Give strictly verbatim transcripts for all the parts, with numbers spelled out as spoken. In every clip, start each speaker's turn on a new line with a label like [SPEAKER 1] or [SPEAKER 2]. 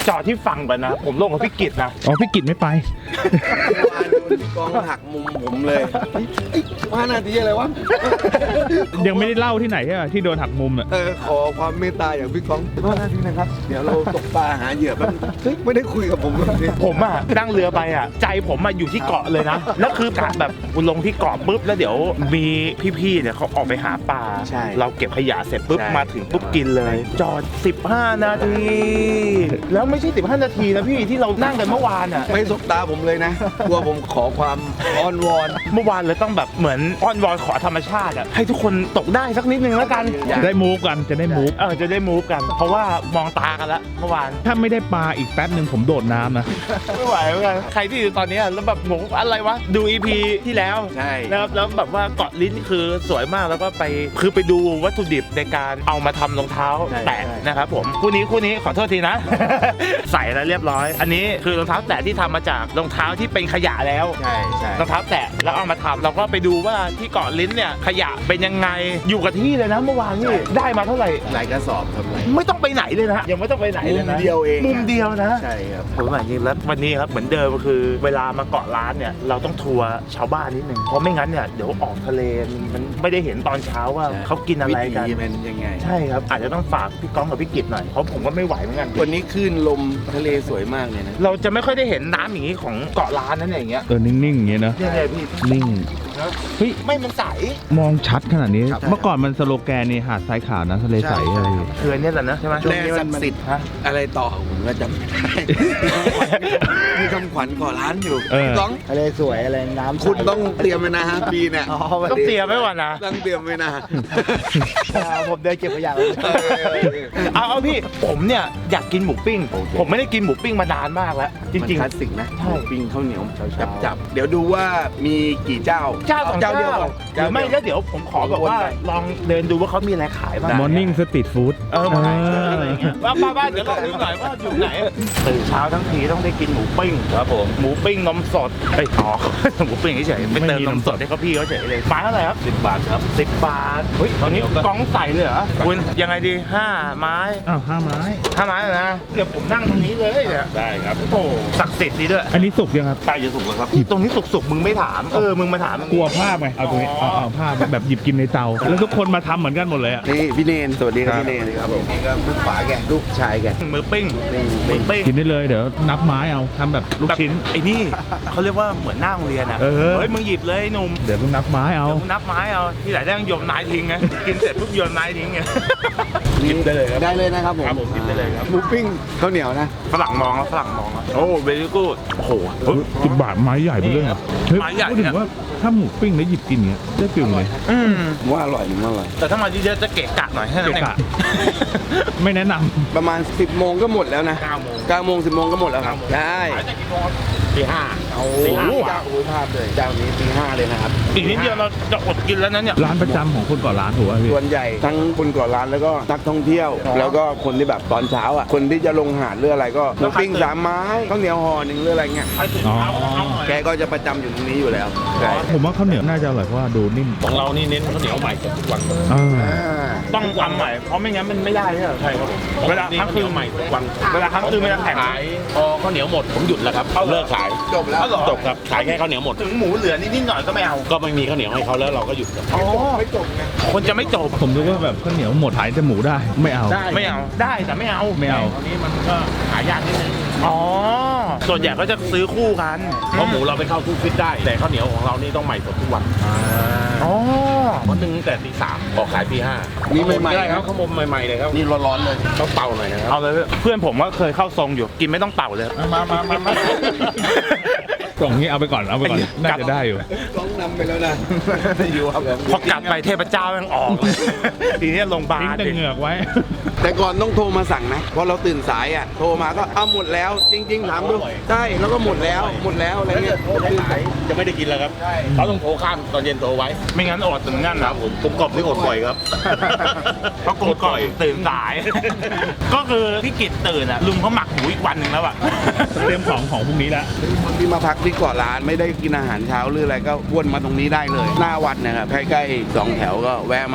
[SPEAKER 1] จอดที่ฝั่งก่อนนะผมลงกับพี่กิตนะ
[SPEAKER 2] อ๋อพี่กิตไม่ไป
[SPEAKER 3] วานโดนกองหักมุมผมเลยว่านาทีอะไรวะ
[SPEAKER 2] ยังไม่ได้เล่าที่ไหนใช่ไหมที่โดนหักมุมอ่ะ
[SPEAKER 3] เออขอความเมตตาอย่างพี่กองว่านาทีนะครับเดี๋ยวเราตกปลาหาเหยื่อแป๊บไม่ได้คุยกับผมเลย
[SPEAKER 1] ผมอ่ะนั่งเรือไปอ่ะใจผมอ่ะอยู่ที่เกาะเลยนะแล้วคือแบบลงที่เกาะปุ๊บแล้วเดี๋ยวมีพี่ๆเนี่ยเขาออกไปหาปลาเราเก็บขยะเสร็จปุ๊บมาถึงปุ๊บกินเลยจอดสิบห้านาทีแล้วไม่ใช่สิบห้านาทีนะพี่ที่เรานั่งกันเมื่อวานอ่ะ
[SPEAKER 3] ไม่สบตาผมเลยนะกลัวผมขอความอ้อนวอน
[SPEAKER 1] เมื่อวานเลยต้องแบบเหมือนอ้อนวอนขอธรรมชาติอ่ะให้ทุกคนตกได้สักนิดนึงแล้วกัน
[SPEAKER 2] จะได้มูฟกันจะได้มูฟ
[SPEAKER 1] เออจะได้มูฟกันเพราะว่ามองตากันแล้วเมื่อวาน
[SPEAKER 2] ถ้าไม่ได้ปลาอีกแป๊บหนึ่งผมโดดน้ำนะ
[SPEAKER 1] ไม่ไหวเหมือนกันใครที่อยู่ตอนนี้แล้วแบบงงอะไรวะดู อี พี ที่แล้ว
[SPEAKER 3] ใช่
[SPEAKER 1] แล้วแล้วแบบว่าเกาะลิ้นคือสวยมากแล้วก็ไปคือไปดูวัตถุดิบในการเอามาทำรองเท้าแตะนะครับผมคู่นี้คู่นี้ขอโทษทีนะ ใส่แล้วเรียบร้อยอันนี้คือรองเท้าแตะที่ทำมาจากรองเท้าที่เป็นขยะแล้ว
[SPEAKER 3] ใช่ใช่
[SPEAKER 1] รองเท้าแตะแล้วเอามาทำเราก็ไปดูว่าที่เกาะลิ้นเนี่ยขยะเป็นยังไงอยู่กับที่เลยนะเมื่อวานนี่ได้มาเท่าไหร่
[SPEAKER 3] หลายกระสอบครับ
[SPEAKER 1] ไม่ต้องไปไหนเลยนะยังไม่ต้องไปไหนเลยนะ
[SPEAKER 3] มุมเดียวเอง
[SPEAKER 1] มุมเดียวนะ
[SPEAKER 3] ใช่ครับ
[SPEAKER 1] ผมหมายจริงแล้ววันนี้ครับเหมือนเดิมก็คือเวลามาเกาะล้านเนี่ยเราต้องทัวร์ชาวบ้านนิดนึงเพราะไม่งั้นเนี่ยเดี๋ยวออกทะเลมันไม่ได้เห็นตอนเช้าว่าเขากินอะไรกัน
[SPEAKER 3] เป็นยังไง
[SPEAKER 1] ใช่ครับอาจจะต้องฝากพี่ก้องกับพี่กิตหน่อยเพราะผมก็ไม่ไหวเหมือนกัน
[SPEAKER 3] วันนี้คลื่นลมทะเลสวยมากเลยนะ
[SPEAKER 1] เราจะไม่ค่อยได้เห็นน้ำอย่างนี้ของเกาะล้านนั่นอย่างเงี้ย
[SPEAKER 2] เออนิ่งๆอย่างเงี้ยนะ
[SPEAKER 1] นี่ไงพี่
[SPEAKER 2] นิ่ง
[SPEAKER 1] เฮ้ยไม่มันใส
[SPEAKER 2] มองชัดขนาดนี้เมื่อก่อนมันสโลแกนนี่หาดทรายขาวนะทะเลใสอะไร
[SPEAKER 1] คือเนี่ยแหละนะใช่ไหม
[SPEAKER 3] แร่ศักดิ์สิทธิ์อะไรต่อผมก็จำไม่ได้มีคำขวัญก่อร้านอยู่ต้อง
[SPEAKER 4] ทะเลสวยอะไรน้ำ
[SPEAKER 3] คุณต้องเตรียมไว้นะฮะปีเนี่ย
[SPEAKER 1] ต้องเตรียมไว้ก่อนนะ
[SPEAKER 3] ต้องเตรียมไว้นะ
[SPEAKER 4] ผมเดินเก็บขยะ
[SPEAKER 1] เอาเอาพี่ผมเนี่ยอยากกินหมูปิ้งผมไม่ได้กินหมูปิ้งมานานมากแล้วจริงๆ
[SPEAKER 3] คลาสสิกนะหมูปิ้งข้าวเหนียวจับจับเดี๋ยวดูว่ามีกี่เจ้า
[SPEAKER 1] เจ้าสองเจ้าเดียวหรือไม่แล้วเดี๋ยวผมขอแบบว่าลองเดินดูว่าเขามีอะไรขายบ้าง
[SPEAKER 2] Morning Street Food
[SPEAKER 1] เออมาว่าบ้านเดี๋ยวลองดูหน่อยว่าอยู่ไหนตื่นเช้าทั้งทีต้องได้กินหมูปิ้งครับผมหมูปิ้งนมสดไอ้อ๋อหมูปิ้งเฉยๆไม่เติมนมสดให้เขาพี่เขาเฉยเลยไม้เท่าไหร่ครับสิบบาทครับสิบบาทเฮ้ยตอนนี้กองใส่เลยเหรอคุณยังไงดีห้าไม้
[SPEAKER 2] อ้าวห้าไม้
[SPEAKER 1] ห้าไม้นะเดี๋ยวผมนั่งตรงนี้เลยเนี่ย
[SPEAKER 3] ได้ครับ
[SPEAKER 1] โอ้ศักดิ์สิทธิ์ดีด้วย
[SPEAKER 2] อันนี้สุกยังครับ
[SPEAKER 3] ใช่จะสุกแล้วครับ
[SPEAKER 1] ตรงนี้สุกๆมึงไม่ถามเออมึงมาถาม
[SPEAKER 2] กลัวภาพไงเอาตรงนี้เอาภาพแบบหยิบกินในเตาแล้วทุกคนมาทำเหมือนกันหมดเลยอ่ะ
[SPEAKER 3] นี่พี่เนนสวัสดีครับพี่เนนครับผมนี่ก็ลูกฝาแกลูกชายแก
[SPEAKER 1] มือปิ้งมือปิ้ง
[SPEAKER 2] กินได้เลยเดี๋ยวนับไม้เอาทำแบบลูกชิ้น
[SPEAKER 1] ไอ้นี่เขาเรียกว่าเหมือนหน้าโรงเรียนอ่ะเฮ้ยมึงหยิบเลยหนุ่ม
[SPEAKER 2] เดี๋ยวมึงนับไม้เอา
[SPEAKER 1] มึงนับไม้เอาที่ไหนได้ต้องโยนนายทิ้งไงกินเสร็จปุ๊บโยนนายทิ้งไง
[SPEAKER 3] กินได้เลยครับได้เลยนะครับผม
[SPEAKER 1] ครับผมกินได้เลยครับ
[SPEAKER 3] หมูปิ้งข้าวเหนียวนะ
[SPEAKER 1] ฝรั่งมองแล้วฝรั่งมองโอ้เวลี่กูดโอ้โห
[SPEAKER 2] สิบบาทไม้ใหญ่ไปเลยอ่ะ
[SPEAKER 1] ไม้ใหญ่
[SPEAKER 2] พูดถึงว่าถ้าหมูปิ้งแล้วหยิบกินเงี้ยได้ฟิลเลย
[SPEAKER 1] อืม
[SPEAKER 3] ว่าอร่อยหรือไม่อร่อย
[SPEAKER 1] แต่ถ้ามาเยอะๆจะเกะกะหน่อยให้นั่นเอง
[SPEAKER 2] ไม่แนะนำ
[SPEAKER 3] ประมาณสิบโมงก็หมดแล้วนะ
[SPEAKER 1] เก้าโมง
[SPEAKER 3] เก้าโมงสิบโมงก็หมดแล้วครับได้
[SPEAKER 1] ตีห้า
[SPEAKER 3] เอาตีห้าเจ้าอุ้ยพลาดเลยเจ้านี้ตีห้าเลยนะครับ
[SPEAKER 1] อีกนิดเดียวเราจะอดกินแล้วนั้นเนี่ย
[SPEAKER 2] ร้านประจำของคนก่อร้านถูกไหมพี่
[SPEAKER 3] ส่วนใหญ่ทั้งคนก่อร้านแล้วก็นักท่องเที่ยวแล้วก็คนที่แบบตอนเช้าอ่ะคนที่จะลงหาดหรืออะไรก็หมูปิ้งสามไม้ข้าวเหนียวห่อหนึ่งหรืออะไรเงี้ยแกก็จะประจำอยู่ตรงนี้อยู่แล้ว
[SPEAKER 2] ผมว่าข้าวเหนียวน่าจะอร่อยเพราะว่าดูนิ่ม
[SPEAKER 1] ของเรานี่เน้นข้าวเหนียวใหม่ทุกวันต้องทำใหม่เพราะไม่งั้นมันไม่ได้ใช่ครับเวลาครั้งคืนใหม่ทุกวันเวลาครั้งคืนมันจะแข็ง
[SPEAKER 5] ขายพอข้าวเหนียวหมดผมหยุดแล้วครับเลิกขาย
[SPEAKER 3] จบแล้ว
[SPEAKER 5] จบครับขายแค่ข้าวเหนียวหมด
[SPEAKER 1] ถึงหมูเหลือนิดๆหน่อยก็ไม่เอา
[SPEAKER 5] ก็ไม่มีข้าวเหนียวให้เขาแล้วเราก็หยุดครับ
[SPEAKER 1] อ๋อไม่จบไงคนจะไม่จบ
[SPEAKER 2] ผมดูว่าแบบข้าวเหนียวหมดขายแต่หมูได้ไม่เอา
[SPEAKER 1] ไม่เอาได้แต่ไม่เอา
[SPEAKER 2] ไม่เอา
[SPEAKER 5] ตอนนี้มันก็หายากนิดนึง
[SPEAKER 1] อ๋อส่วนใหญ่ก็จะซื้อคู่กัน
[SPEAKER 5] เพราะหมูเราไปเข้าตู้ฟิตได้แต่ข้าวเหนียวของเรานี่ต้องใหม่สดทุกวัน
[SPEAKER 1] อ๋อ
[SPEAKER 5] วันหนึ่งแต่ตีสามออกขายตีห้า
[SPEAKER 3] นี่ใหม่
[SPEAKER 5] ๆได้ครับข้าวมใหม่ๆเลยครับ
[SPEAKER 3] นี่ร้อนๆเลย
[SPEAKER 5] ต้องเป่าหน่อยนะครับ
[SPEAKER 1] เอาเลยเพื่อนผมก็เคยเข้าทรงอยู่กินไม่ต้องเป่าเลย
[SPEAKER 5] มามามา
[SPEAKER 2] กล่องนี้เอาไปก่อนเอาไปก่อนน่าจะได้อยู่
[SPEAKER 3] ต้องนำไปแล้วนะ
[SPEAKER 1] อยู่ครับพอกลับไปเทพเจ้ายังออกทีนี้ลงบาร์
[SPEAKER 2] ทิ้งเหงือกไว้
[SPEAKER 3] แต่ก่อนต้องโทรมาสั่งนะเพราะเราตื่นสายอ่ะโทรมาก็เอาหมดแล้วจริงๆถามดูใช่แล้วก็หมดแล้วหมดแล้วอะไรเงี้ย
[SPEAKER 5] ขายจะไม่ได้กินแล้วครับเขาต้องโทรข้ามตอนเย็นโทรไว้
[SPEAKER 1] ไม่งั้นอดถึงงั้นนะ
[SPEAKER 5] ผมผมกบที่อดบ่อยครับ
[SPEAKER 1] เพราะกบก่อยตื่นสายก็คือพี่กิตตื่นอ่ะลุงเขาหมักหมูอีกวันหนึ่งแล้วอ่ะ
[SPEAKER 2] เตรียมของของพรุ่งนี้แล้ว
[SPEAKER 3] คนที่มาพักที่เกาะล้านไม่ได้กินอาหารเช้าหรืออะไรก็วนมาตรงนี้ได้เลยหน้าวัดนะครับใกล้ๆสองแถวก็แวะมาอุดห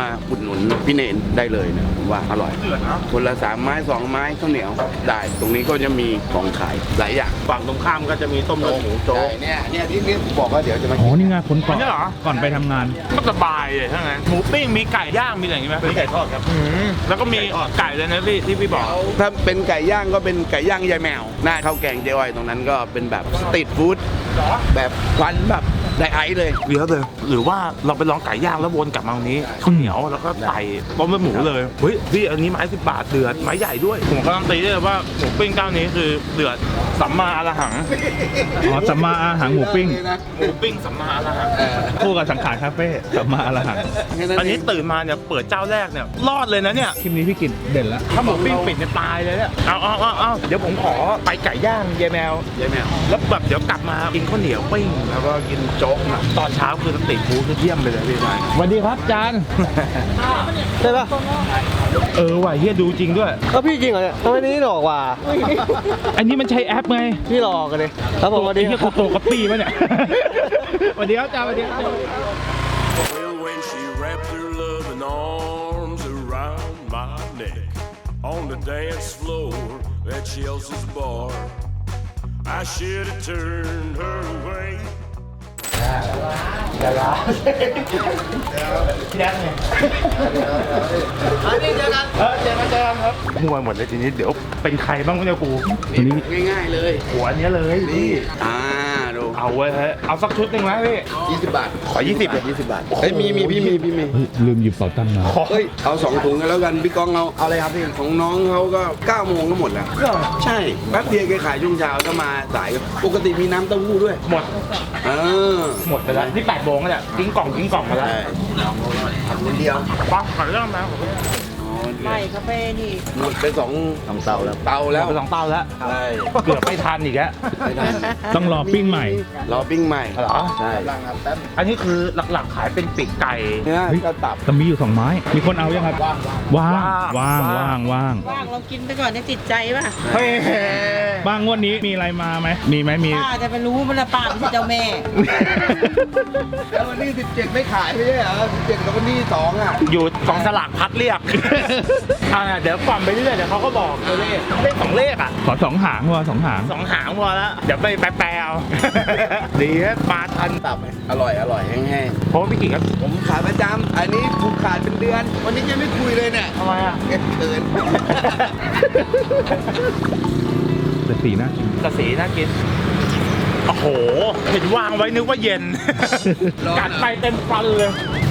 [SPEAKER 3] นุนพี่เนนได้เลยนะผมว่าอร่อย
[SPEAKER 1] เดือดนะ
[SPEAKER 3] คนละสามไม้สองไม้ข้าวเหนียวได้ตรงนี้ก็จะมีของขายหลายอย่าง
[SPEAKER 5] ฝั่งตรงข้ามก็จะมีต้มเลือดหมูโจ๊
[SPEAKER 3] ใช่
[SPEAKER 5] ก
[SPEAKER 3] เนี่ยเนี่ยที่นี่ผมบอกว่าเดี๋ยวจะมา
[SPEAKER 2] อ๋อ
[SPEAKER 3] กิน
[SPEAKER 2] นี่ไงคนก่อน
[SPEAKER 1] อันนี้เหรอ
[SPEAKER 2] ก่อนไปทำงาน
[SPEAKER 1] ก็สบายเลยถ้างั้นหมูปิ้งมีไก่ย่างมีอะไรอย่างงี้ไหม
[SPEAKER 5] มีไก่ทอดครับ
[SPEAKER 1] อืมแล้วก็มีไก่เลยนะพี่ที่พี่บอก
[SPEAKER 3] ถ้าเป็นไก่ย่างก็เป็นไก่ย่างยายแมวหน้าข้าวแกงเจ๊อ้อยตรงนั้นก็เป็นแบบสตรีทฟู้ดแบบควันแบบไดไอซ์เลย
[SPEAKER 1] เดี๋ยวเลยหรือว่าเราไปลองไก่ย่างแล้ววนกลับมาตรงนี้ข้าวเหนียวแล้วก็ใส่ต้มเลือดหมูเลยเฮ้ยพี่อันนี้ไม้สิบบาทเดือดไม้ใหญ่ด้วยผมการันตีได้เลยว่าหมูปิ้งเจ้านี้คือเดือดสัมมาอรหัง
[SPEAKER 2] อ๋อสัมมาอาหารหมูปิ้ง
[SPEAKER 1] หมูปิ้งสัมมาอรหัง
[SPEAKER 3] เออ
[SPEAKER 2] คู่กับสังขารคาเฟ่สัมมาอาหาร
[SPEAKER 3] แค่
[SPEAKER 1] อันนี้
[SPEAKER 3] เง
[SPEAKER 1] ตื่นมาเนี่ยเปิดเจ้าแรกเนี่ยรอดเลยนะเนี่ย
[SPEAKER 2] คลิปนี้พี่กินเด่นแล้ว
[SPEAKER 1] ถ้าหมูปิ้งปิดเนี่ยตายเลยเนี่ยเอาเอาเอาเอาเดี๋ยวผมขอไปไก่ย่างยายแมวย
[SPEAKER 3] ายแมว
[SPEAKER 1] แล้วแบบเดี๋ยวกลับมากินข้าวเหนียวปิ้งแล้วก็กินโจ๊กนะตอนเช้าคือสตรีทฟู้ดคือเยี่ยมไปเลยพี่ชาย
[SPEAKER 2] สวัสดีครับจาน
[SPEAKER 4] ใช่ปะ
[SPEAKER 1] เออว่ะเฮียดูจริงด้วย
[SPEAKER 4] ก็พี่จริงเหรอเนี่ยทำไมนี่หลอกว่ะ
[SPEAKER 2] อันนี้มันใช้แอปไง
[SPEAKER 4] พี่หลอกกันเลยครับผมสวัสดี
[SPEAKER 2] ไอ้เหี้ย
[SPEAKER 4] ค
[SPEAKER 2] กู
[SPEAKER 4] รับ
[SPEAKER 2] โตกับปีป่ะเนี่ย สวัสดีครับจานสวัสดีครับ
[SPEAKER 6] Well, when she wrapped her loving arms around my neck on the dance floor at Chelsea's bar, I should have turned her away.
[SPEAKER 1] มัวหมดเลยทีนี้เดี๋ยวเป็นใครบ้างวะเนี่ยกู
[SPEAKER 3] ง่ายๆเลย
[SPEAKER 1] หัวอันเนี้ยเลยพี่
[SPEAKER 3] อ่าดู
[SPEAKER 1] เอาไว้ฮะเอาสักชุดหนึ่งไหมพี่
[SPEAKER 3] ยี่สิบบาท
[SPEAKER 1] ขอยี่สิบเลย
[SPEAKER 3] ยี่สิบบาทเฮ้ยมีมีพี่มีพี่มี
[SPEAKER 2] เฮ้ยลืมหยิบเป๋าตังค์มา
[SPEAKER 3] เฮ้ยเอาสองถุงกันแล้วกันพี่กองเอาเอาอะไรครับพี่ของน้องเขาก็เก้าโมงก็หมดแล้วใช่แป๊บเดียวแกขายช่วงเช้าก็มาสายปกติมีน้ำเต้าหู้ด้วย
[SPEAKER 1] หมด
[SPEAKER 3] เออ
[SPEAKER 1] หมดไปแล้วนี่แปดโมงแล้วเนี่ยกิ้งกล่องกิ้งกล่องมาแล้ว
[SPEAKER 3] ใช่ทำคนเดียว
[SPEAKER 1] ปังขอเรื่องมาขอเรื่อง
[SPEAKER 7] ไม่คาเฟ่นี่
[SPEAKER 3] หมดไปสองสองเตาแล้วเตาแล้ว
[SPEAKER 1] ไปสองเต้าแล้ว
[SPEAKER 3] ใช่
[SPEAKER 1] เกือบไม่ทันอีกแล้ว
[SPEAKER 3] ไม่ทัน
[SPEAKER 2] ต้องรอปิ้งใหม่
[SPEAKER 3] รอปิ้งใหม่
[SPEAKER 1] เหรอ
[SPEAKER 3] ใช่
[SPEAKER 1] อันนี้คือหลักๆขายเป็นปีกไก่
[SPEAKER 3] เนื้อ
[SPEAKER 2] เฮ้ย
[SPEAKER 3] ก็ตับ
[SPEAKER 2] แต่มีอยู่สองไม้ มีคนเอายังครับ ว่าง ว่าง ว่าง ว่าง
[SPEAKER 7] ว่างลองกินไปก่อนเนี่ยติดใจป่ะ
[SPEAKER 1] เฮ้ย
[SPEAKER 2] บ้างงวดนี้มีอะไรมาไหม มีไหมมี
[SPEAKER 7] ป้าจะไปรู้มันละป้าไม่ใช่เจ้าแม่
[SPEAKER 3] แล้ววันนี้สิบเจ็ดไม่ขายไม่ใช่เหรอสิบเจ็ดกับวันนี้สองอ่ะ
[SPEAKER 1] อยู่กองสลากพัดเรียก อ่าเดี๋ยวก่อนไปเรื่อยๆเดี๋ยวเขาก็บอกตัวเลขเลขสองเลขอ่ะ
[SPEAKER 2] ขอสองหางว่ะสองหาง
[SPEAKER 1] สองหางพอแล้ว เดี๋ยวไปแปลๆเอา ดีฮะมาทันตับ
[SPEAKER 3] อร่อยอร่อยแห้ง
[SPEAKER 1] เพราะว่าพี่กิ่งก็
[SPEAKER 3] ๆผมขายประจำอันนี้ถูกขาดเป็นเดือน วันนี้ยังไม่คุยเลยเนี่ย
[SPEAKER 1] ทำไมอ่ะ
[SPEAKER 3] เก็บเกิน
[SPEAKER 2] แต่สีน่ากิน
[SPEAKER 1] กระสีน่ากิน โอ้โห เห็นวางไว้นึกว่าเย็น
[SPEAKER 3] ร้อนอะ
[SPEAKER 1] กัดไปเต็มฟันเลย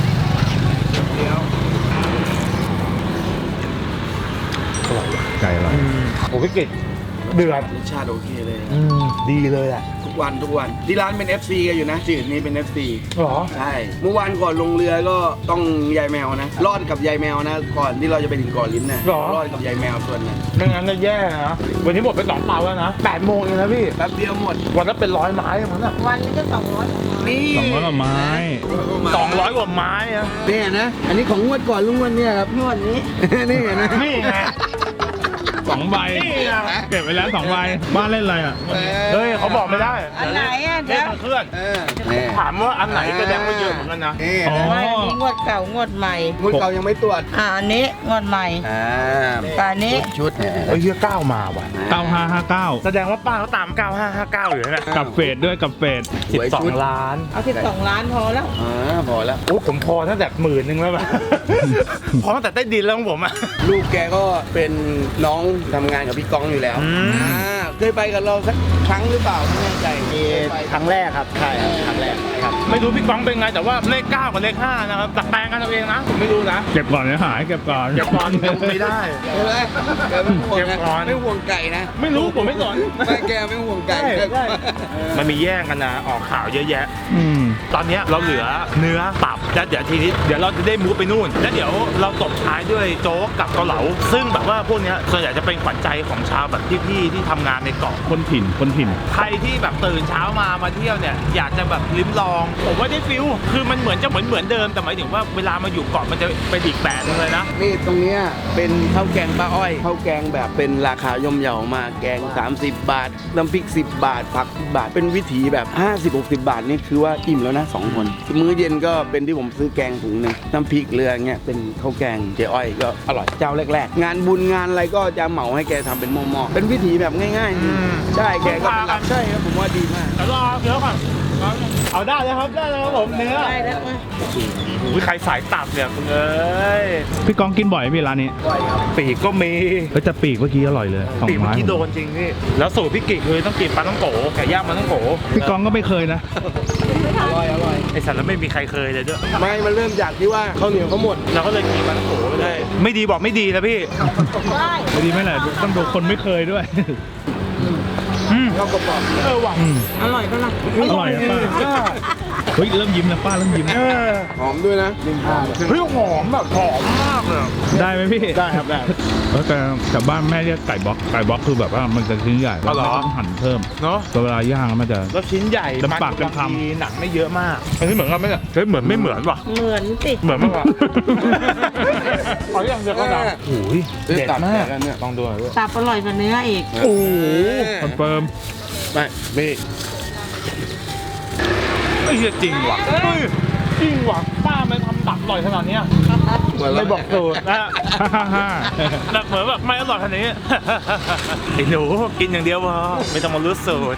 [SPEAKER 2] ไก่อร่อย
[SPEAKER 1] โอ้พี่กิ่งเดือด
[SPEAKER 3] รสชาติโอเคเลย
[SPEAKER 1] อืมดีเลยอ่ะ
[SPEAKER 3] ทุกวันทุกวันที่ร้านเป็น เอฟ ซี กันอยู่นะจืดนี้เป็น เอฟ ซี
[SPEAKER 1] หรอ
[SPEAKER 3] ใช่ เมื่อวานก่อนลงเรือก็ต้องยายแมวนะ รอดกับยายแมวนะ ก่อนที่เราจะไปถึงเก่อนลิ้นนะ
[SPEAKER 1] หรอ
[SPEAKER 3] รอดกับยายแมวส่วนนั้น
[SPEAKER 1] ไม่งั้นจะแย่นะ วันนี้หมดไปสองเตาแล้วนะแปดโมงเองนะพี่
[SPEAKER 3] แป๊บเดียวหมด
[SPEAKER 1] วันละเป็นร้อยไม้มั้งน่ะ
[SPEAKER 7] วันนี้ก็สองร้อย
[SPEAKER 3] นี่
[SPEAKER 2] สองร้อยกว่าไม้
[SPEAKER 1] สองร้อยกว่าไม้อะ
[SPEAKER 3] นี่นะ อันนี้ของงวดก่อนลุงวันเนี่ยครับ
[SPEAKER 7] นวดนี้
[SPEAKER 3] นี่นะ
[SPEAKER 1] นี่ไง
[SPEAKER 2] สองใบ
[SPEAKER 1] นี่ไง
[SPEAKER 2] เก็บไว้แล้วสองใบ บ้านเล่นอะไรอ่ะ
[SPEAKER 1] เฮ้ยเขาบอกไม่ได้
[SPEAKER 7] อันไหนอ่ะ
[SPEAKER 1] เล
[SPEAKER 7] เดี๋
[SPEAKER 1] ข
[SPEAKER 7] ยว
[SPEAKER 1] มันเคลื่อน
[SPEAKER 3] เออนี่
[SPEAKER 1] ถามว่าอันไหนแสดงว่าเยอะเหมือนกันนะ
[SPEAKER 3] นี่
[SPEAKER 2] อ๋อ
[SPEAKER 3] นะ
[SPEAKER 7] ว่าอันนี้งวดเก่างวดใหม่
[SPEAKER 3] งวดเก่ายังไม่ตรวจ
[SPEAKER 7] อ่าอันนี้งวดใหม่
[SPEAKER 3] อ่า
[SPEAKER 7] แต่อันนี้
[SPEAKER 3] ชุดเนี่ย
[SPEAKER 1] เฮ้ยเฮียเก้ามาว่ะ
[SPEAKER 2] เก้าห้าห้าเก้า
[SPEAKER 1] แสดงว่าป้าเขาตามเก้าห้าห้าเก้าอยู่นะ
[SPEAKER 2] กับเฟดด้วยกับเฟด
[SPEAKER 1] สิบสองล้าน
[SPEAKER 7] เอาสิบสองล้านพอแล้ว
[SPEAKER 3] อ่าพอแล้ว
[SPEAKER 1] โอ้ผมพอตั้งแต่หมื่นหนึงแล้วป่ะ พอตั้งแต่ใต้ดินแล้วของผมอ่ะ
[SPEAKER 3] ลูกแกก็เป็นน้องทำงานกับพี่ก้องอยู่แล้ว
[SPEAKER 1] อืม
[SPEAKER 3] อ่าเคยไปกับเราสักครั้งหรือเปล่าไม่แน่ใจ
[SPEAKER 4] มีครั้งแรกครับ ใช่ครับครั้งแรกครับ
[SPEAKER 1] ไม่รู้พี่ก้องเป็นไงแต่ว่าเลขเก้ากับเลขห้านะครับตัดแปลงกันเอาเองนะผมไม่รู้นะ
[SPEAKER 2] เก็บก่อนนะหายเก็บก่อน
[SPEAKER 1] เดี๋ยวก่อนไม่ได้
[SPEAKER 3] ใช่ไหมแกไม่ห่วง
[SPEAKER 1] เก็บ
[SPEAKER 3] นะ
[SPEAKER 1] ก่อน
[SPEAKER 3] ไม่ห่วงไก่นะ
[SPEAKER 1] ไม่รู้ผมไม่สน
[SPEAKER 3] ไม่แกไม่ห่วงไก่
[SPEAKER 1] ใช่ใช่ มันมีแย่งกันนะออกข่าวเยอะแยะ
[SPEAKER 2] อืม
[SPEAKER 1] ตอนเนี้ยเราเหลือเนื้อตับแล้วเดี๋ยวทีนี้เดี๋ยวเราจะได้มูฟไปนู่น แล้วเดี๋ยวเราตบท้ายด้วยโจ๊กกับเกาเหลา ซึ่งแบบว่าพวกเนี้ยส่วนใหญ่จะเป็นขวัญใจของชาวแบบพี่ๆที่ทำงานในเกาะ
[SPEAKER 2] คนถิ่น คนถิ่น
[SPEAKER 1] ใครที่แบบตื่นเช้ามามาเที่ยวเนี่ยอยากจะแบบลิ้มลองผมว่าได้ฟิลคือมันเหมือนจะเหมือนเหมือนเดิมแต่หมายถึงว่าเวลามาอยู่เกาะมันจะเป็นอีกแบบนึงเลยนะ
[SPEAKER 3] นี่ตรงเนี้ยเป็นข้าวแกงป้าอ้อยข้าวแกงแบบเป็นราคาย่อมเยามาแกงสามสิบบาทน้ำพริกสิบบาทผักสิบบาทเป็นวิถีแบบห้าสิบ หกสิบบาทนี่คือว่าอิ่มแล้วนะสองคนมื้อเย็นก็เป็นที่ผมซื้อแกงถุงหนึงน้ำพริกเรือเงี้ยเป็นข้าวแกงเจ๊อ้อยก็อร่อยเจ้าแรกๆงานบุญงานอะไรก็จะเหมาให้แกทำเป็นหม้อๆเป็นวิถีแบบง่ายๆใช่แกก็เป็นรับใช่ครับผมว่าดีมาก
[SPEAKER 1] เดี๋ยวรอเดี๋ยวก่อนเอาได้แล้วครับได้แล้วครับผมเนื้อ
[SPEAKER 7] ได้แล้วไหม
[SPEAKER 1] อุ้ยใครสายตับเนี่ยคุณเอ้ย
[SPEAKER 2] พี่กองกินบ่อยไหมพี่ร้านนี้
[SPEAKER 1] ปีกก็มี
[SPEAKER 2] ก็จะปีกเมื่อกี้อร่อยเลยสอง
[SPEAKER 1] ปีกเมื่อ
[SPEAKER 2] ไม้
[SPEAKER 1] กี้โดนจริงพี่แล้วสูตรพี่กิกคือต้องกินปลาต้องโกไก่ย่างปลาต้องโก
[SPEAKER 2] พี่กองก็ไม่เคยนะ
[SPEAKER 3] อร่อยอร่อย
[SPEAKER 1] ไอสัตว์แล้วไม่มีใครเคยเลยด้วย
[SPEAKER 3] ไม่มันเริ่มจากที่ว่าข้าวเหนียวเขาหมด
[SPEAKER 1] เราก็เลยกินปลาต้องโกไปเลยไม่ดีบอกไม่ดีนะพี่
[SPEAKER 2] ไม่ดีไหมล่ะต้องดูคนไม่เคยด้วย
[SPEAKER 1] อืม
[SPEAKER 3] ก็กรอบ
[SPEAKER 1] เออว่ะ
[SPEAKER 2] อืม
[SPEAKER 7] อร่อยปะล่ะ
[SPEAKER 2] อร่อยอะป้าเฮ้ยเริ่มยิ้มแล้วป้าเริ่มยิ้ม
[SPEAKER 1] เออ
[SPEAKER 3] หอมด้วยนะ
[SPEAKER 1] เฮ้ยหอมแบบหอมมากเลย
[SPEAKER 2] ได้ไหมพี่ได้ครับได้แต่แต่บ้านแม่เรียกไก่บล็อกไก่บล็อกคือแบบว่ามันจะชิ้นใหญ่แล้วต้องหั่นเพิ่ม
[SPEAKER 1] เนาะ
[SPEAKER 2] แต่เวลาย่างแล้วมันจะ
[SPEAKER 1] แล้วชิ้นใหญ่
[SPEAKER 2] ลำบาก
[SPEAKER 1] มัน
[SPEAKER 2] เป็นคำ
[SPEAKER 1] บางทีหนังไม่เยอะมากอันนี้เหมือนกันไหมเนี่ยเฮ้ยเหมือนไม่เหมือนว่ะ
[SPEAKER 7] เหมือนสิ
[SPEAKER 1] เหมือนมากกว่าขออย่างเดียวก็ได้โอ้ยเด็ดมากลองดูหน่อยด้วย
[SPEAKER 7] ตับอร่อยกว่าเนื้ออีก
[SPEAKER 1] โอ้โห
[SPEAKER 2] คอนเฟิร์ม
[SPEAKER 3] ไม่ไม่
[SPEAKER 1] ไอ้เหี้ยจริงว่ะเฮ้ยจริงว่ะป้ามันทำตับอร่อยขนาดเนี้ยไม่บอกสูตรนะ
[SPEAKER 2] ฮ่าฮ่าฮ่า
[SPEAKER 1] แบบเหมือนแบบไม่อร่อยขนาดนี้ ไอ้หนูกินอย่างเดียวพอไม่ต้องมารู้สูตร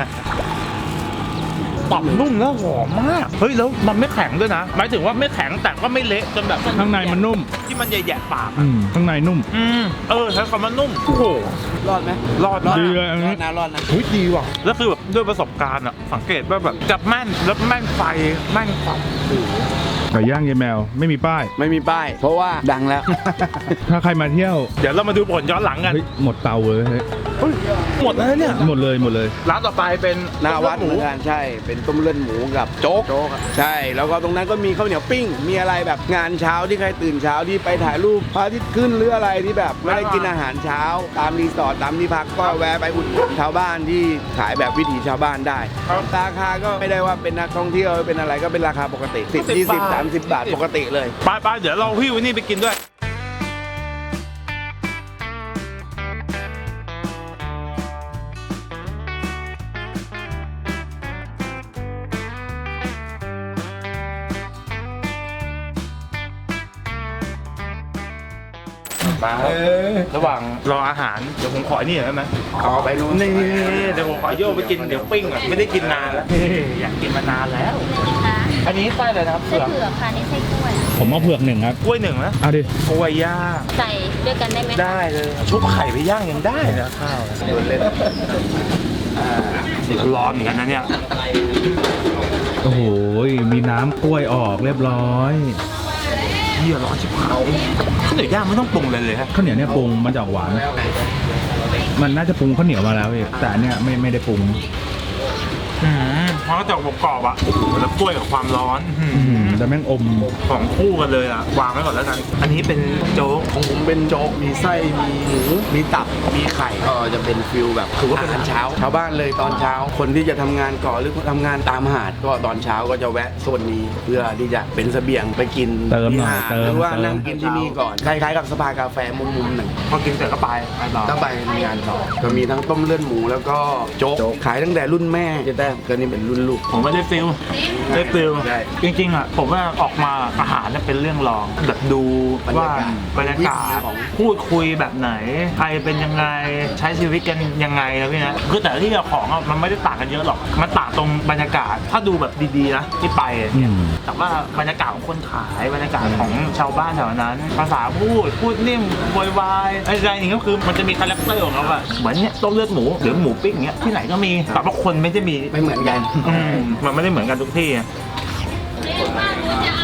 [SPEAKER 1] ตับนุ่มแล้วหอมมากเฮ้ยแล้วมันไม่แข็งด้วยนะหมายถึงว่าไม่แข็งแต่ก็ไม่เละจนแบบ
[SPEAKER 2] ข้างในมันนุ่ม
[SPEAKER 1] ที่มันแย่ๆปาก
[SPEAKER 2] อื
[SPEAKER 1] อะ
[SPEAKER 2] มข้างในนุ่ม
[SPEAKER 1] อืมเออใช้คำว่านุ่มโอ้โห
[SPEAKER 3] รอดไหม
[SPEAKER 1] รอดรอด
[SPEAKER 2] ดีเลยอัน
[SPEAKER 3] รอ
[SPEAKER 2] นี้
[SPEAKER 3] ดนะรอดนะ
[SPEAKER 1] เฮ้ยดีว่ะแล้วคือแบบด้วยประสบการณ์อะสังเกตว่าแบบจับแม่นแล้วแม่นไฟแม่นความ
[SPEAKER 2] ไก่ย่างยายแมวไม่มีป้าย
[SPEAKER 3] ไม่มีป้าย เพราะว่าดังแล้ว
[SPEAKER 2] ถ้าใครมาเที่ยว
[SPEAKER 1] เดี๋ยวเรามาดูผลย้อนหลังกัน
[SPEAKER 2] เฮ้ยหมดเตาเลยเฮ้ย
[SPEAKER 1] หมดแล้วเนี่ย
[SPEAKER 2] หมดเลยหมดเลย
[SPEAKER 1] ร้านต่อไปเป็น
[SPEAKER 3] หน้าวัด
[SPEAKER 1] ห
[SPEAKER 3] เห
[SPEAKER 1] มู
[SPEAKER 3] มือนกันใช่ เป็นต้มเลือดหมูกับโจ๊กใช่ แล้วก็ตรงนั้นก็มีข้าวเหนียวปิ้ง มีอะไรแบบงานเช้าที่ใครตื่นเช้าที่ไปถ่ายรูปพระอาทิตย์ขึ้นหรืออะไรที่แบบไม่ได้กินอาหารเช้า ตามรีสอร์ทตามที่พักก็แวะไปอุดหนุนชาวบ้านที่ขายแบบวิถีชาวบ้านได้ราคาก็ไม่ได้ว่าเป็นนักท่องเที่ยวเป็นอะไรก็เป็นราคาปกติสิบ ยี่สิบ สามสิบบาทปกติเลย
[SPEAKER 1] ไปไปเดี๋ยวเราพี่วินนี่ไปกินด้วยมาครับระหว่างรออาหารเดี๋ยวผมขอนี่หน่อยได้ไหม
[SPEAKER 3] เอาไปนู้น
[SPEAKER 1] นี่เดี๋ยวผมขอโยกไปกินเดี๋ยวปิ้งอ่ะไม่ได้กินนานแล้วนี่อยากกินมานานแล้ว อันนี้ไส้อะไรนะครับ
[SPEAKER 8] ไส้
[SPEAKER 1] เผือก
[SPEAKER 8] เผือกค่ะนี่ไส้กล้วย
[SPEAKER 2] ผมเอาเผือกหนึ่งครับ
[SPEAKER 1] กล้วยหนึ่งนะ
[SPEAKER 2] เอาดิ
[SPEAKER 1] กล้วยย่าง
[SPEAKER 8] ใส่ด้วยกันได้ไหม
[SPEAKER 1] ได้เลยชุบไข่ไปย่างยังได้นะข้าวเล่นร้อนเหมือนกันนะเนี่ย
[SPEAKER 2] โอ้โหมีน้ำกล้วยออกเรียบร้อย
[SPEAKER 1] เหี้ยร้อนชิบหายข้าวเหนียวย่างไม่ต้องปรุงเลยเลยฮะ
[SPEAKER 2] ข้าวเหนียวเนี่ยปรุงมันจะออกหวาน มันน่าจะปรุงข้าวเหนียวมาแล้วพี่แต่อันเนี่ยไม่ไม่ได้ปรุง
[SPEAKER 1] อืมเพราะจะออกกรอบๆอ่ะโอ้โหแล้วกล้วยกับความร้อนอื้อ
[SPEAKER 2] อื
[SPEAKER 1] หื
[SPEAKER 2] ม
[SPEAKER 1] อ
[SPEAKER 2] แต่แม่งอม
[SPEAKER 1] ของคู่กันเลยอ่ะวางไว้ก่อนแล้วกัน อันนี้เป็นโจ๊ก
[SPEAKER 3] ของผมเป็นโจ๊ก มีไส้ มีหมู มีตับ มีไข่ ก็จะเป็นฟิลแบบถือว่าเป็นอาหารเช้า ชาวบ้านเลยตอนเช้า คนที่จะทำงานก่อหรือทำงานตามหาด ก็ตอนเช้าก็จะแวะโซนนี้ เพื่อที่จะเป็นเสบียงไปกิน
[SPEAKER 2] เติมหน่อย
[SPEAKER 3] ที่หาด
[SPEAKER 2] เติม
[SPEAKER 3] หรือว่า
[SPEAKER 2] เติม
[SPEAKER 3] นั่งกินที่นี่ก่อน คล้ายๆกับสภากาแฟมุมๆหนึ่ง
[SPEAKER 1] พอกินเสร็จก็ไปไปต่อ
[SPEAKER 3] ต้องไปงานต่อก็มีทั้งต้มเลือดหมูแล้วก็โจ๊ก ขายตั้งแต่รุ่นแม่จะแต้มก็นี่เป็นรุ่นลูก
[SPEAKER 1] ผมก็ได้ฟิลได้ฟิล
[SPEAKER 3] ใช่
[SPEAKER 1] จริงๆอ่ะผมว่าออกมาอาหารเนี่ยเป็นเรื่องรองแบบดูว่าบรรยากาศพูดคุยแบบไหน ใครเป็นยังไงใช้ชีวิตกันยังไงนะพี่นะคือแต่ที่ของอ่ะมันไม่ได้ต่างกันเยอะหรอกมันต่างตรงบรรยากาศถ้าดูแบบดีๆนะที่ไป
[SPEAKER 2] อืม
[SPEAKER 1] แต่ว่าบรรยากาศของคนขายบรรยากาศของชาวบ้านแถวนั้น ภาษาพูดพูดนิ่มโวยวายอะไรอย่างเงี้ยก็คือมันจะมีคาแรคเตอร์ของเขาอะเหมือนเนี้ยต้มเลือดหมูหรือหมูปิ้งเงี้ยที่ไหนก็มีแต่ว่าคนไม่ได้มี
[SPEAKER 3] ไม่เหมือนกัน
[SPEAKER 1] อืมมันไม่ได้เหมือนกันทุกที่อะ
[SPEAKER 8] จะเอาไอ้นี่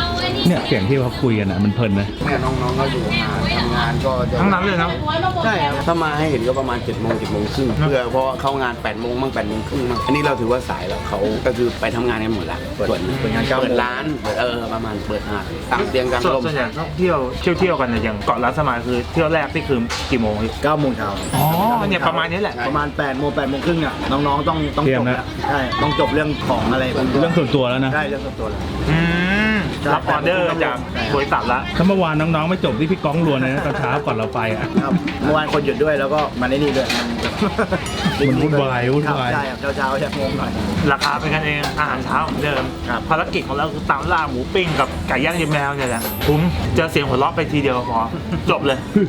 [SPEAKER 2] เนี่ยเสียงที่เขาคุยกันอ่ะมันเพลินนะ
[SPEAKER 3] เนี่ยน้องๆก็อยู่งานทำงานก็จะ
[SPEAKER 1] ทั้งนั้นเลยนะ
[SPEAKER 3] ใช่ครับถ้ามาให้เห็นก็ประมาณ7จ็ดโมงเจ็ดโมงครึ่งเพื่อเพราะว่าเข้างาน8ปดโมงบ้างแปดโมงครึ่งบ้างอันนี้เราถือว่าสายแล้วเขาก็คือไปทำงานกันหมดละเปิดเปิดงานเปิดร้านเปิดเออประมาณเปิดงานต่างเตียงกลาง
[SPEAKER 1] ส่วน
[SPEAKER 3] ลม
[SPEAKER 1] ส่วนใหญ่ต้องเที่ยวเที่ยวเที่ยวกันเนี่ยอย่างเกาะล้านสมายคือเที่ยวแรกที่คือกี่โมงพี่
[SPEAKER 4] เก้าโมงเช้า
[SPEAKER 1] อ๋อเนี่ยประมาณนี้แหละ
[SPEAKER 4] ประมาณแปดโมงแปดโมงครึ่งอ่ะน้องๆต้องต้อง
[SPEAKER 2] เตรีย
[SPEAKER 4] จ
[SPEAKER 2] ม
[SPEAKER 4] บ
[SPEAKER 2] นะ
[SPEAKER 4] แล้วใช่ต้องจบเรื่องของอะไรบาง
[SPEAKER 2] เรื่องส่วนตัวแล้วนะ
[SPEAKER 4] ใช่เรื่องส่วนตัวแล้ว
[SPEAKER 1] อืมรับออเดอร์จากบริษัทละ
[SPEAKER 2] ถ้าเมื่อวานน้องๆไม่จบที่พี่ก้องรวนเลยนะตอนเช้าก่อนเราไปอ่ะ
[SPEAKER 4] ครับเมื่อวานคนหยุดด้วยแล้วก็มาในนี่ด้วย
[SPEAKER 2] มันวุ่นวายวุ่นวาย
[SPEAKER 4] ใช่ครับเช้าๆจะงงหน่อย
[SPEAKER 1] ราคาเป็นกันเองอาหารเช้าเหมือนเดิมภารกิจของเราคือตามล่าหมูปิ้งกับไก่ย่างยายแมวเนี่ยแหละคุ้มเจอเสียงหัวเราะไปทีเดียวพอจบเลย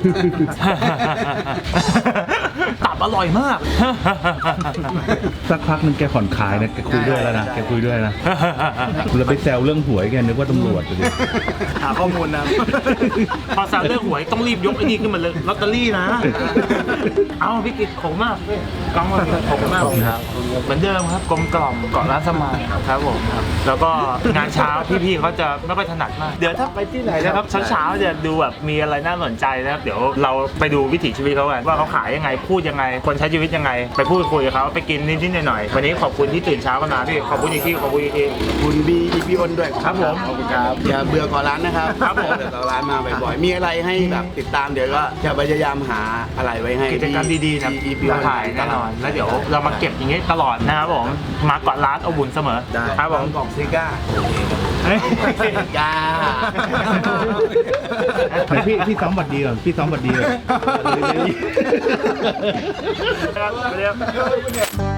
[SPEAKER 1] ตับอร่อยมาก
[SPEAKER 2] สักพักหนึงแกผ่อนคลายนะแกคุยด้วยแล้วนะแกคุยด้วยนะเราไปแซวเรื่องหวยแกนึกว่าตำรวจเลย
[SPEAKER 4] หาข้อมูลนะ
[SPEAKER 1] พอสาวเรื่องหวยต้องรีบยกไอ้นี่ขึ้นมาเลยลอตเตอรี่นะ เอาพี่กิตขอบคุณมากกองมาขอบคุณมากครับเหมือนเดิมครับกลมกล่อมเกาะร้านสมายครับผมครับแล้วก็งานเช้าพี่ๆเขาจะไม่ค่อยถนัดมากเดี๋ยวถ้าไปที่ไหนนะครับเช้าๆจะดูแบบมีอะไรน่าสนใจนะครับเดี๋ยวเราไปดูวิถีชีวิตเขากันว่าเขาขายยังไงพูดยังไงคนใช้ชีวิตยังไงไปพูดคุยกับเขาไปกินนิดๆหน่อยๆวันนี้ขอบคุณที่ตื่นเช้ากันมาพี่ขอบคุณอีกทีขอบคุณอีกที
[SPEAKER 3] คุณบีอีพีอนด้วย
[SPEAKER 1] ครับผม
[SPEAKER 3] ขอบคุณครับอย่าเบื่อก่อนร้านนะครับ
[SPEAKER 1] ครับผม
[SPEAKER 3] เบื่อก่อนร้านมาบ่อยๆมีอะไรให้แบบติดตามเดี๋ยวก็จะพยายามหาอะไรไว้ให้
[SPEAKER 1] กิจกรรมดีๆนะ
[SPEAKER 3] อีพี
[SPEAKER 1] เราถ่ายแน่นอนแล้วเดี๋ยวเรามาเก็บอย่างงี้ตลอดนะครับผมมาเกาะร้านเอาบุญเสมอ
[SPEAKER 3] ได้
[SPEAKER 1] ครับผม
[SPEAKER 3] กล่องซิก้า ก้า
[SPEAKER 2] ไหนพี่พี่ซ้อมบัตรดีก่อนพี่ซ้อมบัตรดีก่อน
[SPEAKER 1] ครับสวัสดีครับ